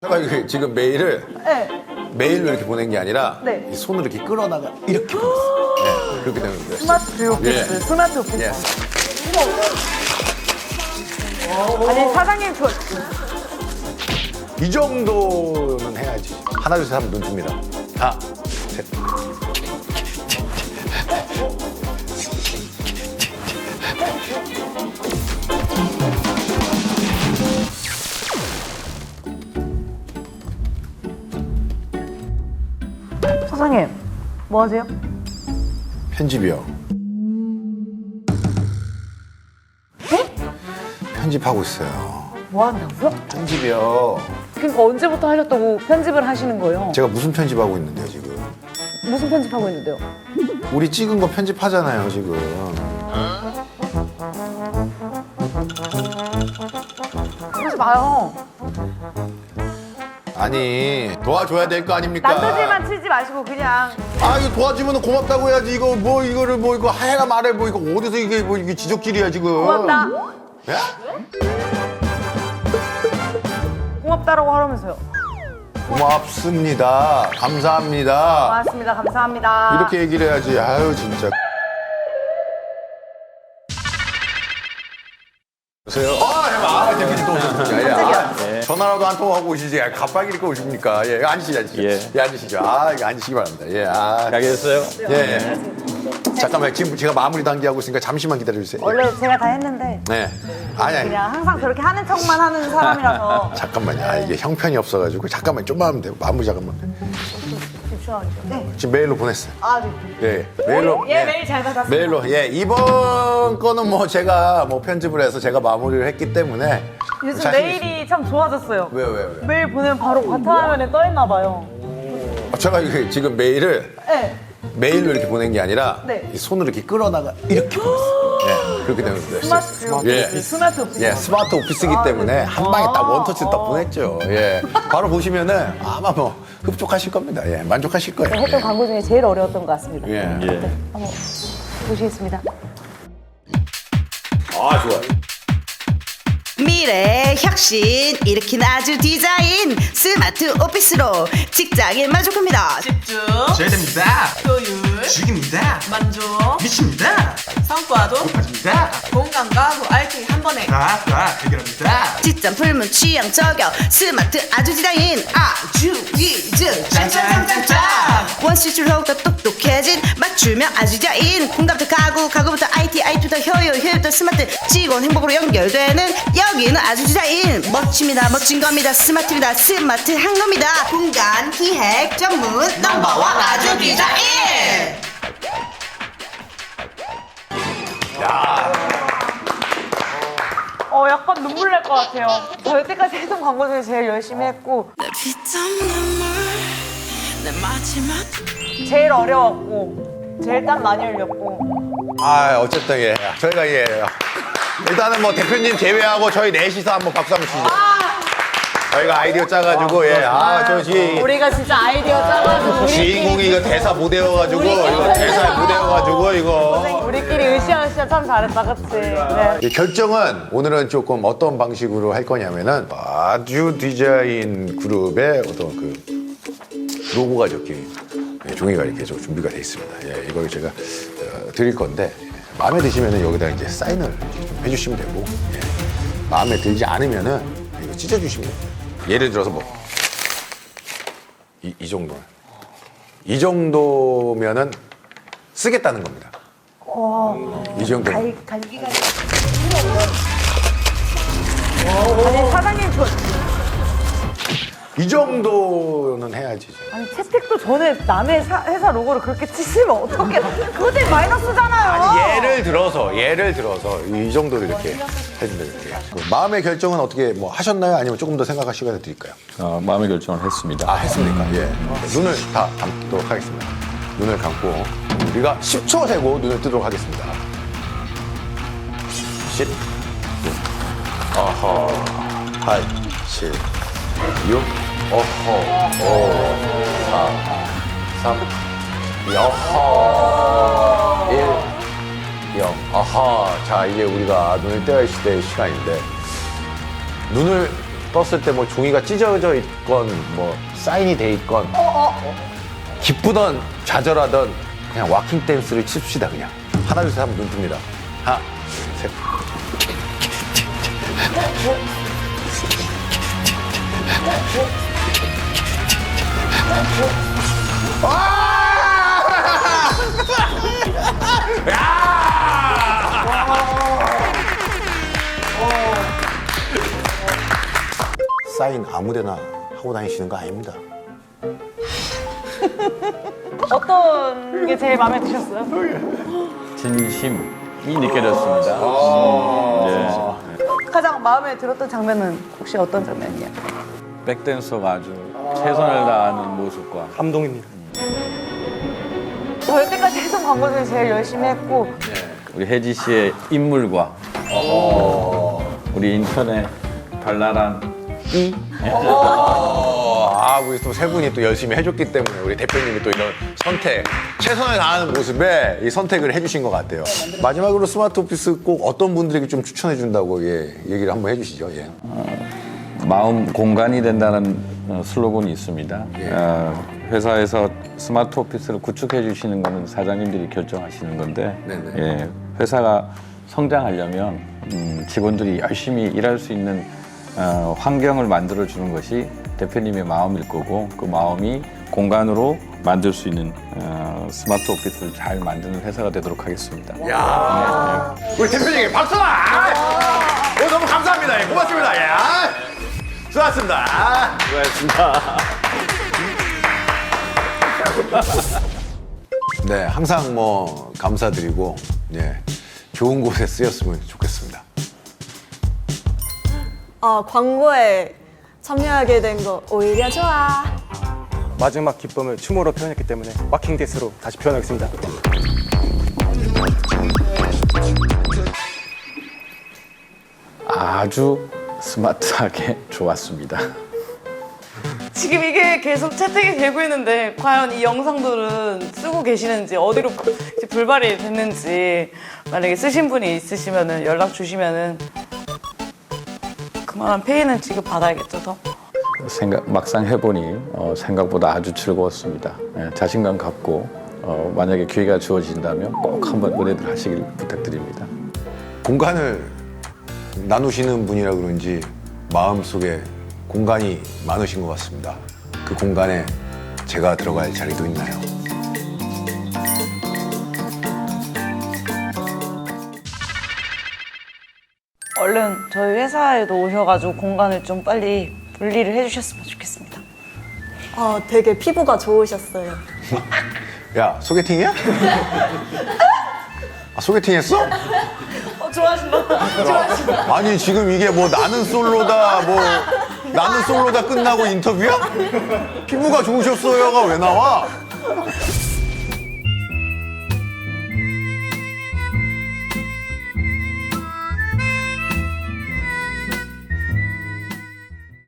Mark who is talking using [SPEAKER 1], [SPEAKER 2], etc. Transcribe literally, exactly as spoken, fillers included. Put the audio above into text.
[SPEAKER 1] 제가 이게 지금 메일을
[SPEAKER 2] 네.
[SPEAKER 1] 메일로 이렇게 보낸 게 아니라
[SPEAKER 2] 네.
[SPEAKER 1] 이 손으로 이렇게 끌어다가 이렇게 보냈어요. 네, 그렇게 되는 거예요.
[SPEAKER 2] 스마트 오피스,
[SPEAKER 1] 예.
[SPEAKER 2] 스마트 오피스.
[SPEAKER 1] 예.
[SPEAKER 2] 아니 사장님 저
[SPEAKER 1] 이 정도는 해야지. 하나 둘 셋 하면 눈 뜹니다. 하나, 셋.
[SPEAKER 2] 사장님 뭐 하세요?
[SPEAKER 1] 편집이요.
[SPEAKER 2] 네?
[SPEAKER 1] 편집하고 있어요.
[SPEAKER 2] 뭐 한다고요?
[SPEAKER 1] 편집이요.
[SPEAKER 2] 그러니까 언제부터 하셨다고 편집을 하시는 거예요?
[SPEAKER 1] 제가 무슨 편집하고 있는데요, 지금?
[SPEAKER 2] 무슨 편집하고 있는데요?
[SPEAKER 1] 우리 찍은 거 편집하잖아요, 지금.
[SPEAKER 2] 그러지 마요.
[SPEAKER 1] 아니, 도와줘야 될 거 아닙니까?
[SPEAKER 2] 난도질만 치지 마시고 그냥
[SPEAKER 1] 아, 이거 도와주면 고맙다고 해야지. 이거 뭐, 이거를 뭐, 이거 하해가 말해. 뭐, 이거 어디서 이게 뭐, 이게 지적질이야, 지금.
[SPEAKER 2] 고맙다.
[SPEAKER 1] 예?
[SPEAKER 2] 고맙다라고 하라면서요.
[SPEAKER 1] 고맙습니다. 감사합니다.
[SPEAKER 2] 고맙습니다. 감사합니다.
[SPEAKER 1] 이렇게 얘기를 해야지. 아유, 진짜. 여보세요? 아, 예, 아, 대표님 또 오셨습니까? 예, 아,
[SPEAKER 2] 깜짝이야.
[SPEAKER 1] 전화라도 한 통 하고 오시지. 아, 갑자기 이렇게 오십니까? 예, 앉으시죠, 앉으시죠.
[SPEAKER 3] 예.
[SPEAKER 1] 예, 앉으시죠. 아, 이거 앉으시기 바랍니다. 예, 아.
[SPEAKER 3] 가게 됐어요?
[SPEAKER 1] 예, 예. 잠깐만, 지금 제가 마무리 단계하고 있으니까 잠시만 기다려주세요.
[SPEAKER 2] 원래 제가 다 했는데
[SPEAKER 1] 네. 아니, 아니.
[SPEAKER 2] 그냥 항상 저렇게 하는 척만 하는 사람이라서
[SPEAKER 1] 잠깐만요. 아, 이게 형편이 없어가지고. 잠깐만, 좀만 하면 돼요. 마무리 잠깐만.
[SPEAKER 2] 집중하죠. 네.
[SPEAKER 1] 지금 메일로 보냈어요.
[SPEAKER 2] 아, 네.
[SPEAKER 1] 예, 메일로.
[SPEAKER 2] 예, 메일 잘 받았습니다.
[SPEAKER 1] 메일로. 예, 이번 거는 뭐 제가 뭐 편집을 해서 제가 마무리를 했기 때문에.
[SPEAKER 2] 요즘
[SPEAKER 1] 자신
[SPEAKER 2] 메일이 참 좋아졌어요.
[SPEAKER 1] 왜요, 왜요, 왜요?
[SPEAKER 2] 메일 보내면 바로 바탕화면에 떠 있나 봐요.
[SPEAKER 1] 아, 제가 이게 지금 메일을
[SPEAKER 2] 네.
[SPEAKER 1] 메일로 이렇게 보낸 게 아니라
[SPEAKER 2] 네.
[SPEAKER 1] 이 손으로 이렇게 끌어다가 이렇게 보냈어요. 예, 그렇게 되는 거예요.
[SPEAKER 2] 스마트 오피스.
[SPEAKER 1] 예.
[SPEAKER 2] 스마트 오피스.
[SPEAKER 1] 예, 스마트 오피스이기
[SPEAKER 2] 아,
[SPEAKER 1] 때문에
[SPEAKER 2] 네.
[SPEAKER 1] 한 방에 딱
[SPEAKER 2] 아.
[SPEAKER 1] 원터치 딱 보냈죠. 예. 바로 보시면은 아마 뭐 흡족하실 겁니다. 예, 만족하실 거예요.
[SPEAKER 2] 했던
[SPEAKER 1] 예.
[SPEAKER 2] 광고 중에 제일 어려웠던 것 같습니다.
[SPEAKER 1] 예.
[SPEAKER 3] 예.
[SPEAKER 2] 한번 보시겠습니다.
[SPEAKER 1] 아, 좋아요.
[SPEAKER 4] 미래 혁신 일으킨 아주 디자인 스마트 오피스로 직장인 만족합니다.
[SPEAKER 5] 집중,
[SPEAKER 6] 제됩니다.
[SPEAKER 5] 효율,
[SPEAKER 6] 죽입니다.
[SPEAKER 5] 만족,
[SPEAKER 6] 미칩니다.
[SPEAKER 5] 성과도
[SPEAKER 6] 높아집니다.
[SPEAKER 5] 공감과 후 알팅 한 번에
[SPEAKER 6] 다, 다 해결합니다.
[SPEAKER 4] 지점 풀문 취향 저격 스마트 아주 디자인 아주 위즈 짱짱짱짱짱 원시줄 더욱더 똑똑해진 맞춤형 아주 디자인 공감부터 가구 가구부터 아이티 아이티부터 효율 효율부터 스마트 직원 행복으로 연결되는 여기는 아주 디자인 멋집니다 멋진 겁니다 스마트입니다 스마트한 겁니다 공간 기획 전문 넘버원 아주 디자인.
[SPEAKER 2] 어, 약간 눈물 날 것 같아요. 저 여태까지 했던 광고 중에 제일 열심히 했고 제일 어려웠고 제일 땀 많이 흘렸고
[SPEAKER 1] 아, 어쨌든 예. 저희가 예. 일단은 뭐 대표님 제외하고 저희 넷이서 한번 박수 한번 치죠. 저희가 아이디어 짜가지고 예. 아, 저 지,
[SPEAKER 2] 우리가 진짜 아이디어 짜가지고
[SPEAKER 1] 주인공이 이거 대사 못 외워가지고 이거 대사 못 외워가지고 이거.
[SPEAKER 2] 우리끼리 으쌰으쌰 참 잘했다 그치? 네.
[SPEAKER 1] 이 결정은 오늘은 조금 어떤 방식으로 할 거냐면은 아주 디자인 그룹의 어떤 그 로고가 적힌 예, 종이가 이렇게 좀 준비가 돼 있습니다. 예, 이걸 제가 어, 드릴 건데 마음에 드시면은 여기다 이제 사인을 좀 해주시면 되고 예, 마음에 들지 않으면은 이거 찢어주시면 돼요. 예를 들어서 뭐 이 이 정도 이 정도면은 쓰겠다는 겁니다. 이 정도.
[SPEAKER 2] 갈, 갈기가 아니 사장님 저
[SPEAKER 1] 이 정도는 해야지.
[SPEAKER 2] 아니 채택도 전에 남의 사- 회사 로고를 그렇게 치시면 어떡해 그거 되게 마이너스잖아요.
[SPEAKER 1] 아니 예를 들어서 예를 들어서 이 정도로 이렇게 해준다 이렇게. 그 마음의 결정은 어떻게 뭐 하셨나요? 아니면 조금 더 생각할 시간을 드릴까요?
[SPEAKER 3] 어, 마음의 결정을 했습니다.
[SPEAKER 1] 아 했습니까? 예. 눈을 다 감도록 하겠습니다. 눈을 감고 우리가 십 초 세고 눈을 뜨도록 하겠습니다. 십, 구, 어허, 팔, 칠, 육, 어허, 오, 사, 삼, 이, 어허, 일, 영. 아하. 자, 이제 우리가 눈을 떼야 될 시간인데 눈을 떴을 때 뭐 종이가 찢어져 있건 뭐 사인이 돼 있건 기쁘던 좌절하던 그냥 와킹 댄스를 칩시다 그냥. 하나 둘 셋 하면 눈 뜹니다. 하나 둘 셋. 사인 아무데나 하고 다니시는 거 아닙니다.
[SPEAKER 2] 어떤 게 제일 마음에 드셨어요?
[SPEAKER 3] 진심이 느껴졌습니다. 네.
[SPEAKER 2] 가장 마음에 들었던 장면은 혹시 어떤 장면이에요?
[SPEAKER 3] 백댄서가 아주 최선을 다하는 모습과
[SPEAKER 7] 감동입니다.
[SPEAKER 2] 저 여태까지 했던 광고 중에 제일 열심히 했고
[SPEAKER 3] 우리 혜지 씨의 인물과 우리 인천의 발랄한 이
[SPEAKER 1] 어, 아, 우리 또 세 분이 또 열심히 해줬기 때문에 우리 대표님이 또 이런 선택, 최선을 다하는 모습에 이 선택을 해주신 것 같아요. 마지막으로 스마트 오피스 꼭 어떤 분들에게 좀 추천해준다고 예, 얘기를 한번 해주시죠. 예.
[SPEAKER 3] 마음 공간이 된다는 어, 슬로건이 있습니다. 어, 회사에서 스마트 오피스를 구축해 주시는 것은 사장님들이 결정하시는 건데
[SPEAKER 1] 네네.
[SPEAKER 3] 예, 회사가 성장하려면 음, 직원들이 열심히 일할 수 있는 어, 환경을 만들어 주는 것이 대표님의 마음일 거고 그 마음이 공간으로 만들 수 있는 어, 스마트 오피스를 잘 만드는 회사가 되도록 하겠습니다.
[SPEAKER 1] 야, 우리 대표님 박수나! 오, 너무 감사합니다. 예, 고맙습니다. 예. 아, 수고하셨습니다. 수고하셨습니다. 네, 항상 뭐 감사드리고 예, 좋은 곳에 쓰였으면 좋겠습니다.
[SPEAKER 8] 어, 광고에 참여하게 된 거 오히려 좋아.
[SPEAKER 7] 마지막 기쁨을 춤으로 표현했기 때문에 와킹 댄스로 다시 표현하겠습니다.
[SPEAKER 3] 아주 스마트하게 좋았습니다.
[SPEAKER 2] 지금 이게 계속 채택이 되고 있는데 과연 이 영상들은 쓰고 계시는지 어디로 이제 불발이 됐는지 만약에 쓰신 분이 있으시면은 연락 주시면은 그만한 페이는 지급 받아야겠죠 더.
[SPEAKER 3] 생각, 막상 해보니 어, 생각보다 아주 즐거웠습니다. 예, 자신감 갖고 어, 만약에 기회가 주어진다면 꼭 한번 은혜들 하시길 부탁드립니다.
[SPEAKER 1] 공간을 나누시는 분이라 그런지 마음속에 공간이 많으신 것 같습니다. 그 공간에 제가 들어갈 자리도 있나요?
[SPEAKER 2] 얼른 저희 회사에도 오셔가지고 공간을 좀 빨리 분리를 해주셨으면 좋겠습니다.
[SPEAKER 8] 어, 되게 피부가 좋으셨어요.
[SPEAKER 1] 야, 소개팅이야? 아, 소개팅 했어?
[SPEAKER 2] 어, 좋아하신다. 좋아하신다.
[SPEAKER 1] 아니, 지금 이게 뭐 나는 솔로다, 뭐 나는 솔로다 끝나고 인터뷰야? 피부가 좋으셨어요가 왜 나와?